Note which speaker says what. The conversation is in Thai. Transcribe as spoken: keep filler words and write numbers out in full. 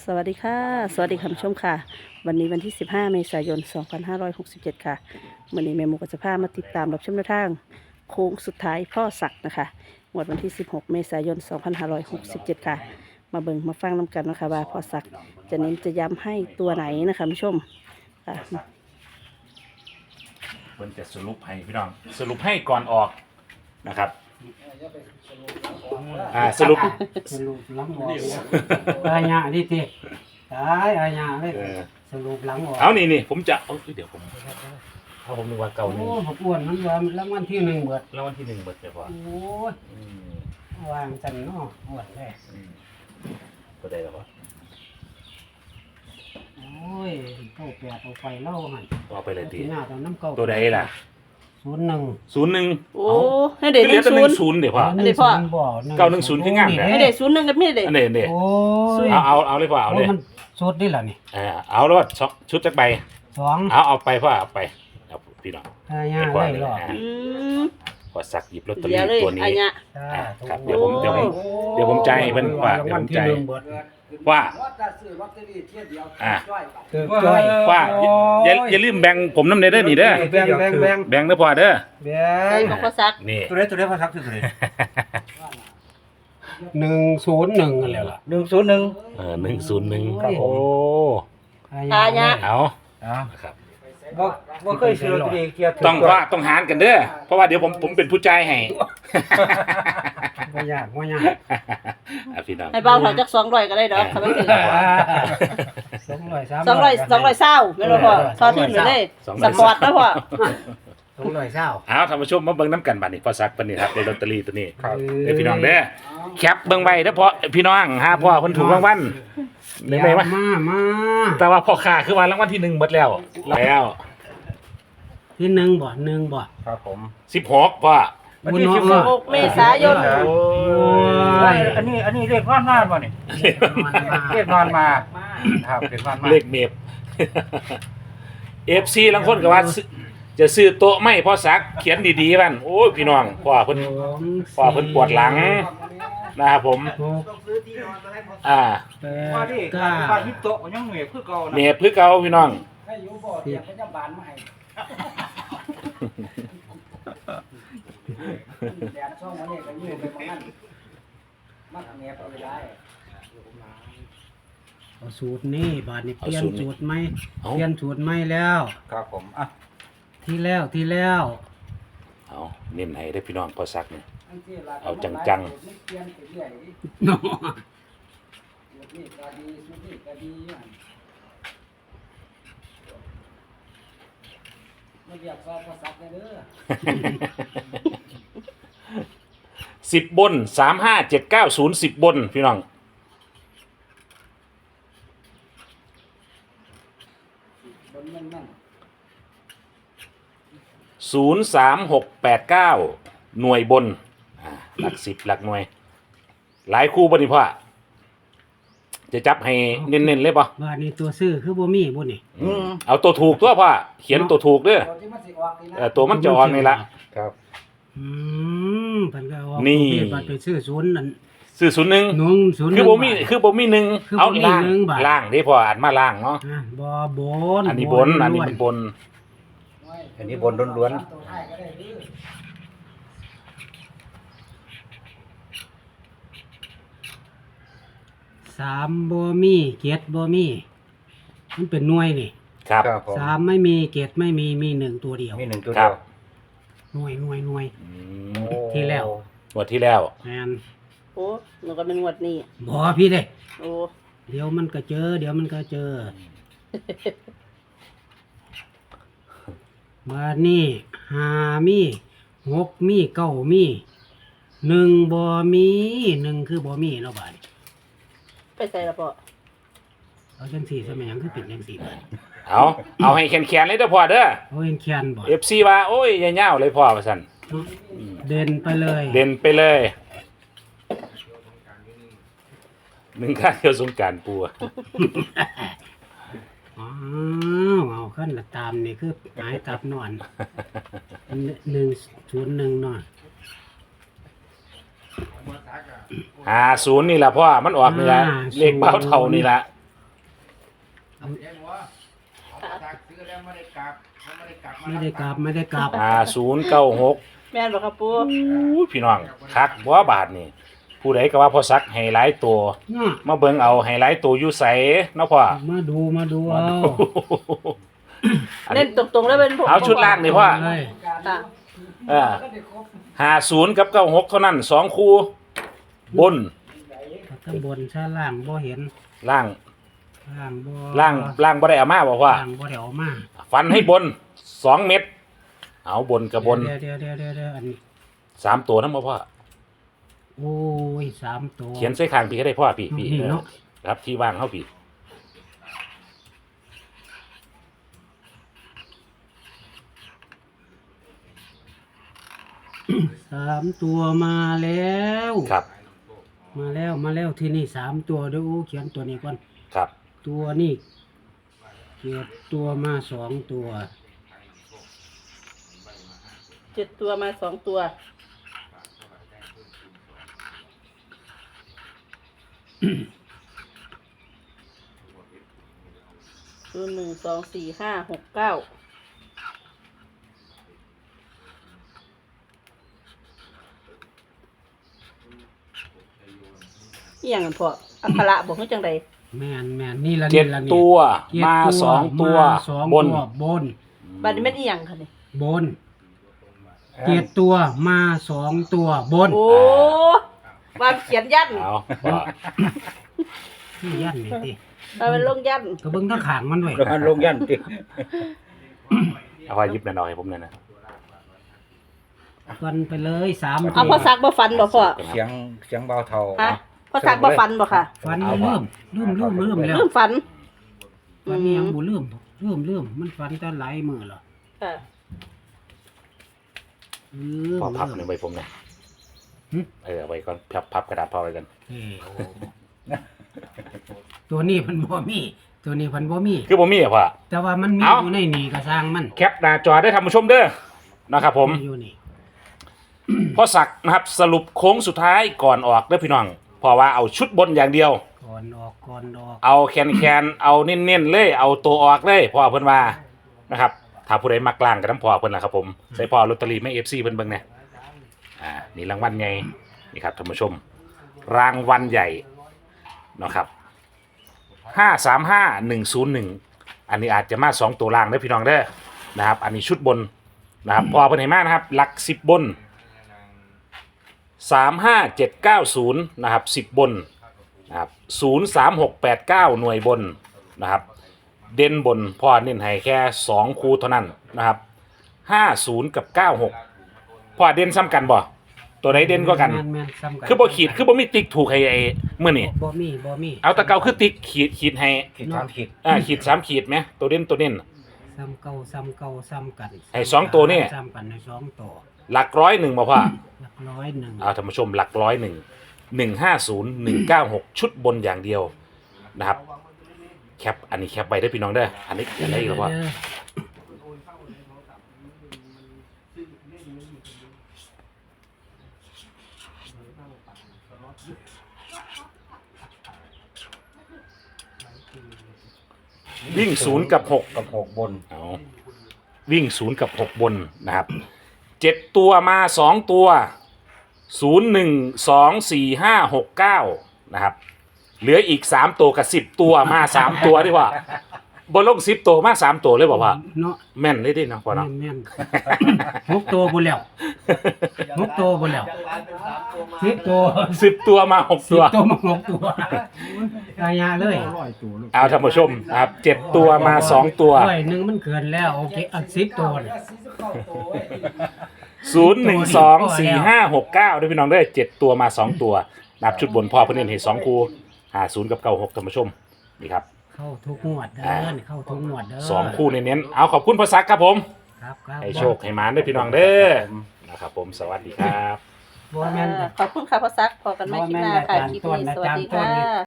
Speaker 1: สวัสดีค่ะสวัสดีคุณผู้ชมค่ะวันนี้วันที่สิบห้าเมษายนสองพันห้าร้อยหกสิบเจ็ดค่ะวันนี้แม่หมูก็จะพามาติดตามรับชมแนวทางโค้งสุดท้ายพ่อศักดิ์นะคะงวดวันที่สิบหกเมษายนสองพันห้าร้อยหกสิบเจ็ดค่ะมาเบิ่งมาฟังน้ำกันนะคะว่าพ่อศักดิ์จะเน้นจะย้ำให้ตัวไหนนะคะผู้ชมค่ะ
Speaker 2: เพิ่นจะสรุปให้พี่น้องสรุปให้ก่อนออกนะครับอ่าสรุป
Speaker 3: สรุปหลังออกอาญาดิติตายอาญาเลย
Speaker 2: เออ
Speaker 3: สรุปหลังออก
Speaker 2: เอานี่นี่ผมจะเอาเดี๋ยวผมเอาผมนึกว่าเก่า
Speaker 3: โอ้
Speaker 2: นี่
Speaker 3: ผมอ้วนมันว่ารางวัลที่หนึ่งเบิด
Speaker 2: แล้ววันที่หนึ่งเบิดเลยพอ
Speaker 3: โอ้ย
Speaker 2: อืม
Speaker 3: วางจันเนาะอ้วนเลย
Speaker 2: อืมก็ได้แล้วพอ
Speaker 3: โอ้ยเก้าแปดเอาไปเล่าหัน
Speaker 2: เอาไปเลยที
Speaker 3: ที่หน้าตอนน้ำเก้า
Speaker 2: ตัวใดล่ะ
Speaker 3: ศูนย์หนึ่ง
Speaker 2: ศูนย์หนึ่ง
Speaker 1: โอ้ให้เด็ก
Speaker 2: เห
Speaker 1: ห
Speaker 2: ลื
Speaker 1: นึ่
Speaker 2: อง แต่ห
Speaker 1: ศู
Speaker 2: นึ่
Speaker 1: น
Speaker 2: ง
Speaker 1: ย์
Speaker 2: ศูนย์เดี๋ยวพอ
Speaker 1: อันนี้พ่อ
Speaker 3: บ่
Speaker 2: เก้าหนึ่งศูนย์คืองามแหละ
Speaker 1: ให้เด็กศูนย์หนึ่งกับมีเด็ก
Speaker 2: อันนี้นี่
Speaker 3: โอ้ย
Speaker 2: เอาเอาเอาเลยพอเอา
Speaker 3: โอ้
Speaker 2: เลย ย
Speaker 3: มันสุดนี่ล่ะนี่
Speaker 2: เออเอาแล้วสองชุดจักใบ
Speaker 3: สอง
Speaker 2: เอาเอาไปพ่อเอาไปเอาพี่น้อง
Speaker 3: อาญา
Speaker 2: ให้พ่อ
Speaker 3: เลย
Speaker 2: เลย
Speaker 3: หรอ
Speaker 2: อ่ะ
Speaker 1: อืม
Speaker 2: พอสักหยิบลอตเตอ
Speaker 1: เดี๋
Speaker 2: รี่
Speaker 1: ยวเลย
Speaker 2: ตัว
Speaker 1: อัน
Speaker 2: นี้
Speaker 1: เนี้ย
Speaker 2: อ่าครับเดี๋ยวผมเดี๋ยวผมเดี๋ยวผมจ่ายให้เพิ่นว่าเดี๋ยวผมจ่าย ว่า อ่ะ
Speaker 3: คือจ้อย
Speaker 2: ว่าอย่าอย่าลืมแบ่งผมน้ำเนเด้อนี่เด้อ
Speaker 3: แบงแบงแบง
Speaker 2: แบ่งเด้อพ่อเด้อ
Speaker 3: แบ
Speaker 1: ใส่
Speaker 3: ง
Speaker 1: ของพ่อศักดิ์
Speaker 2: นี่
Speaker 4: ตัวเลขตัวเลขพอสักตัวเลข
Speaker 3: หนึ่งศูนย์หนึ่งอะไรล่ะ
Speaker 4: หนึ่งศูนย์หนึ่ง
Speaker 2: เออหนึ่งศูนย์หนึ่ง
Speaker 3: ครับผม
Speaker 2: โอ้
Speaker 1: ตาเนี่ย
Speaker 2: เอา
Speaker 4: อ่า
Speaker 2: ครับ
Speaker 4: บ่บ่เคยซื้อลอตเตอรี่เกียร์
Speaker 2: ต้องว่าต้องหารกันเด้อเพราะว่าเดี๋ยวผมผมเป็นผู้จ่ายให้
Speaker 3: ไม่ยากไม่ยาก
Speaker 2: อ่ะพี่น้อง
Speaker 1: ให้เบาถอยจากสองร้อยก็ได้ดอกทำไมถึง
Speaker 3: สองร้อยสาม
Speaker 1: สองร้อยสองร้อยเศร้าไม่รู้พ่อทอดทิ้งไปเลยสปอร์ตนะพ่อ
Speaker 3: สองร้อยเศร้า
Speaker 2: เอาท่านผู้ชมมาเบิ่งน้ำกันบัดนี้พอสักปานนี้ครับในลอตเตอรี่ตัวนี้
Speaker 3: ครับ
Speaker 2: เด้อพี่น้องเด้อแคปเบิ่งไว้เด้อพ่อพี่น้องหาพ่อเพิ่นถูกรางวัลได้ไหมวะ
Speaker 3: มามา
Speaker 2: แต่ว่าพ่อค้าคือว่ารางวัลที่หนึ่งหมดแล้วแล้ว
Speaker 3: ที่หนึ่งบ่หนึ่งบ่
Speaker 4: ครับผม
Speaker 2: สิบหกพ่อ
Speaker 4: วันที่สิบ
Speaker 1: หกเมษายน
Speaker 2: โอ้
Speaker 4: ยอันนี้อันนี้เลขนอนมาบ่นี่เลขนอนมาครับเลขนอนมา
Speaker 2: เลขเมฟ เอฟซีบางคนก็ว่าซื้อจะซื้อโต๊ะไม่พ่อสักเขียนดีๆบ้านโอ้ยพี่น้องพ่อเพิ่นพ่อเพิ่นปวดหลังนะครับผม
Speaker 3: หก
Speaker 2: อ่า
Speaker 3: แป
Speaker 4: ว่า
Speaker 3: ด
Speaker 4: ดิ
Speaker 3: เก้า
Speaker 4: ว่าฮิตโตะยังเหนื่อยคือเก่านะ
Speaker 2: เมฟคือเก่าพี่น้อง
Speaker 3: สิบ เอาสูตรนี่บาทนี่เปลี่ยนสูตรไหมเปลี่ยนสูตรไหมแล้ว
Speaker 4: ครับผมอ่ะ
Speaker 3: ที่แล้วที่แล้ว
Speaker 2: เอาเน้นให้ได้อพี่น้องพ่อสักเนี่ยเอาจัง
Speaker 3: เนาะ
Speaker 2: ๆ สิบบนสามห้าเจ็ดเก้าศูนย์สิบบนพี่น้องศูนย์สามหกแปดเก้าหน่วยบนอ่าหลักสิบหลักหน่วย หลายคู่บ่นี่พ่อจะจับให้เน้นๆเลยป่ะ
Speaker 3: บาทนี่ตัวซื้อคือบ่มีบ่นี่
Speaker 2: อืมเอาตัวถูกตัวพ่อเขียนตัวถูกเด้อเออตัวมันจะออกนี่ละ
Speaker 4: ครับ
Speaker 3: อืมเพิ่นก็เอา
Speaker 2: นี่
Speaker 3: ประเภทบัตรไปซื้อศูนย์นั่น
Speaker 2: ซื้อศูนย์หนึ่ง
Speaker 3: หนุ่งศูนย์
Speaker 2: คือบ่มี
Speaker 3: หนึ่งบาท
Speaker 2: คือบ่มีหนึ่ง
Speaker 3: คือบ่
Speaker 2: เอา
Speaker 3: มี
Speaker 2: ล่าง
Speaker 3: หนึ่งบาท
Speaker 2: ล่างเด้พ่ออ่านมาล่างเนาะ
Speaker 3: อ่ะบ่บน
Speaker 2: อันนี้บนอันนี้เป็นบน
Speaker 4: อันนี้บนล้วน
Speaker 3: สามบ่มีเกียรติบ่มีมันเป็นหน่วยนี่
Speaker 2: ครับ
Speaker 4: ๆครับผม
Speaker 3: สามไม่มีเกียรติไม่มีมีหนึ่งตัวเดียว
Speaker 4: มีหนึ่งตัว
Speaker 2: ครั
Speaker 4: เดี
Speaker 2: บ
Speaker 4: ยว
Speaker 3: หน่วยหน่วยหน่วย
Speaker 2: อืม
Speaker 4: โอ้
Speaker 3: ที่แล้ว
Speaker 2: งวดที่แล้ว
Speaker 3: แม่น
Speaker 1: โอ้หนูก็เป็นงวดนี้
Speaker 3: บ่พี่เด้
Speaker 1: โอ้
Speaker 3: เดี๋ยวมันก็เจอ เดี๋ยวมันก็เจอมานี่หามีหกมีเก้ามีหนึ่งบ่มีหนึ่งคือบ่มีเนาะบาดนี้
Speaker 1: ไปใส่ละพ่อ
Speaker 3: เอาจังสี่สมัยยังคือเป็นจังสี่บาด
Speaker 2: เอาเอาให้แข็งๆเลยเด้อพ่อเด้อ
Speaker 3: เอาเห็นแคนบ่
Speaker 2: เอฟซีว่าโอ้ยอย่าเหย้าเลยพ่อว่าซั่น
Speaker 3: เด่นไปเลย
Speaker 2: เด่นไปเลยหนึ่งข้างเดียวสงกรานต์ปูอะ
Speaker 3: อ้าวเอาขั้นละตามนี่คือหายตับนอนหนึ่งศูนย์หนึ่งนอน
Speaker 2: ห้าศูนย์นี่ล่ะพ่อมันออกนี่ละเลขเบ้าเท่านี่ละ
Speaker 3: ไม่ได้กลับไม่ได้กลับ
Speaker 2: ห้าศูนย์เก้าหก
Speaker 1: แม่นบ่ครับปู
Speaker 2: พี่น้องคักบ่บาทนี่ผู้ใดก็ว่าพ่อซักให้หลายตัว
Speaker 3: น่ะ
Speaker 2: มาเบิ่งเอาให้หลายตัวอยู่ไสเนาะพ่อ
Speaker 3: มาดูมาดู
Speaker 2: มา
Speaker 3: เอา
Speaker 2: ดูอัน
Speaker 1: เล่
Speaker 2: นี้
Speaker 1: นตรงๆแล้วเป็นผม
Speaker 2: เอาชุดล่างนี่พ่อ
Speaker 3: เลย
Speaker 1: ค่ะ
Speaker 2: เออห้าศูนย์กับเก้าหกเท่านั้นสองคู่บน
Speaker 3: ข้างบนชั้นล่างบ่เห็น
Speaker 2: ล่าง
Speaker 3: ล่างบ่
Speaker 2: ล่างล่างบ่ได้เอามาบอกว่า
Speaker 3: ล่างบ่ได้เอามา
Speaker 2: ฟันให้บนสองเม็ดเอาบนกับบน
Speaker 3: เดี๋ยวเดี๋ยวเดี๋ยวเดี๋ยวเดี๋ยวอันนี้
Speaker 2: สามตัวนั่นบ่พ่อ
Speaker 3: โอ้ยสามตัว
Speaker 2: เขียนใส่ข้างพี่ก็ได้พ่อพี่พี่
Speaker 3: นี่
Speaker 2: เออ
Speaker 3: เนาะ
Speaker 2: ครับที่ว่างเขาพี่
Speaker 3: สามตัวมาแล้ว
Speaker 2: ครับ
Speaker 3: มาแล้วมาแล้วที่นี่สามตัวเดี๋ยวเขียนตัวนี้ก่อน
Speaker 2: ครับ
Speaker 3: ตัวนี่เกียบตัวมาสองตัว
Speaker 1: เจ็ดตัวมาสองตัวคือหนึ่งสองสี่ห้าหกเก้าอหย่างนั้นพออัคระบอกให้จังใด
Speaker 3: แม่นแม่นนี่ละ
Speaker 2: เจ็ด
Speaker 3: นี่ละนี่
Speaker 2: ตัว
Speaker 3: เจ็ด
Speaker 2: มาสองตัว
Speaker 3: มาสอง
Speaker 2: บน
Speaker 3: ตัวบน
Speaker 1: บัดนี้แม่นอีหยังค่ะนี่
Speaker 3: บนเจ็ดตัวมาสองตัวบน
Speaker 1: โอ้ว่าเขียนยัน
Speaker 2: เอาพ่อ
Speaker 3: ที่ยันนี่ติ
Speaker 1: ว่าเป็นลงยัน
Speaker 3: ก็เบิ่งทั้งขางมันด้วย
Speaker 4: มันลงยันติ
Speaker 2: เอาพ่อหยิบหน่อยๆให้ผมหน่อยนะ
Speaker 3: ฟันไปเลยสาม
Speaker 1: เอาพ่อซักบ่ฟันบ่พ่อ
Speaker 4: เสียงเสียงเบาเท่า
Speaker 1: ฮะพ่อซักบ่ฟันบ่ค่ะ
Speaker 3: ฟันเริ่มเริ่มเริ่มเริ่มแล้ว
Speaker 1: เริ่มฟัน
Speaker 3: ฟันนี่ยังบ่เริ่มเริ่มเริ่มมันฟันตอนหลายมือแล้ว
Speaker 1: ค่ะ
Speaker 3: เริ่ม
Speaker 2: พ่อพับ
Speaker 3: เริ่ม
Speaker 2: หนึ่งใบผมหน่อย
Speaker 3: หึ
Speaker 2: เออเอาไว้ก่อนพับพับกระดาษพ่อไว้กัน
Speaker 3: เอ้ยโอ้ตัวนี้มันบ่มี ตัวนี้มันบ่มี
Speaker 2: คือผมมีอะพ่อ
Speaker 3: แต่ว่ามันมี
Speaker 2: เอ้า
Speaker 3: อยู่ในนี่ก็สร้างมัน
Speaker 2: แคปหน้าจอได้ทำผู้ชมเด้อนะครับผม
Speaker 3: อยู่นี่
Speaker 2: พ่อศักดิ์นะครับสรุปโค้งสุดท้ายก่อนออกเด้อพี่น้องเพราะว่าเอาชุดบนอย่างเดียว
Speaker 3: ก่อนออกก่อนออก
Speaker 2: เอาแคนแคนๆเอาเน้นๆเลยเอาตัวออกเลยพ่อเพิ่นว่านะครับถ้าผู้ใดมักล่างกับน้ำพ่อเพิ่นล่ะครับผมใส่พ่อลอตเตอรี่ไม่ เอฟ ซี เพิ่นเบิ่งแหน่อ่านี่รางวัลใหญ่นี่ครับท่านผู้ชม รางวัลใหญ่นะครับห้าสามห้าหนึ่งศูนย์หนึ่งอันนี้อาจจะมาสองตัวล่างเด้อพี่น้องเด้อนะครับ อันนี้ชุดบนนะครับพ่อเพิ่นให้มานะครับหลักสิบบนสามห้าเจ็ดเก้าศูนย์นะครับสิบบนนะครับศูนย์สามหกแปดเก้าหน่วยบนนะครับเด่นบนพ่อเน้นให้แค่สองคูเท่านั้นนะครับห้าศูนย์กับเก้าหกพ่อเด่นซ้ำกันบ่ตัวไหนเด่นก็กัน
Speaker 3: แม่แม่ซ้ำกัน
Speaker 2: คือบ่ขีดคือบ่มีติ๊กถูกให้ไอ้เมื่อนี่
Speaker 3: บ่มีบ่มี
Speaker 2: เอาแตะเกาคือติ๊กขีดขีดให้
Speaker 4: ขีดสามขีด
Speaker 2: อ่าขีดสามขีดไหมตัวเด่นตัวเด่น
Speaker 3: ซ้ำเก่าซ้ำเก่าซ้ำกัน
Speaker 2: ไอ้สองตัวนี่
Speaker 3: ซ้ำกันในสองตัว
Speaker 2: หลักร้อยหนึ่งบ่พ่อ
Speaker 3: หลักร้อยหนึ่ง
Speaker 2: เอาท่านผู้ชมหลักร้อยหนึ่งหนึ่งห้าศูนย์หนึ่งเก้าหกชุดบนอย่างเดียวนะครับแคปอันนี้แคปไว้ได้อพี่น้องเด้ออันนี้อันนี้อีกแล้วพ่อ วิ่งศูนย์กับหก
Speaker 4: กับหกบน
Speaker 2: เอาวิ่งศูนย์กับหกบนนะครับเจ็ดตัวมาสองตัวศูนย์หนึ่งสองสี่ห้าหกเก้านะครับเหลืออีกสามตัวกับสิบตัวมาสามตัวดีกว่าบนลงสิบตัวมาสามตัวเลยบอกว่า
Speaker 3: เนาะ
Speaker 2: แม่นเลยดิเนาะพ่อเนาะ
Speaker 3: แม่นๆหกตัวบ่แล้วหกตัวบ่แล้วสิบตัว
Speaker 2: สิบตัวมาหก
Speaker 3: สิ
Speaker 2: ตั
Speaker 3: บ
Speaker 2: ว
Speaker 3: ตัวมาหกตัวอายาเลย
Speaker 2: เอาท่านผู้ชมนะครับเจ็ดตัวมาสองตัว
Speaker 3: ร้อยหนึ่งมันเกินแล้วโอเคเอาสิบตัวเลย
Speaker 2: ศูนย์หนึ่งสองสี่ห้าหกเก้าด้วยพี่น้องเด้อเจ็ดตัวมาสองตัวนับชุดบนพ่อเพิ่นเน้นให้สองคู่หาศูนย์กับเก้าหกท่านผู้ชมนี่ครับ
Speaker 3: เข้าทุกงวดเด้อเข้าทุกงวดเด้อ
Speaker 2: สองคู่เน้นๆเอาขอบคุณพ่อซักครับผม
Speaker 3: ครับครับ
Speaker 2: ให้โชคให้หมานด้วยพี่น้องเด้อนะครับผมสวัสดีครับ
Speaker 3: บ่แม่น
Speaker 1: ขอบคุณค่ะพ่อซักพอกันไม่คลิปหน้าค่ะคลิปนี้สวัสดีค่ะ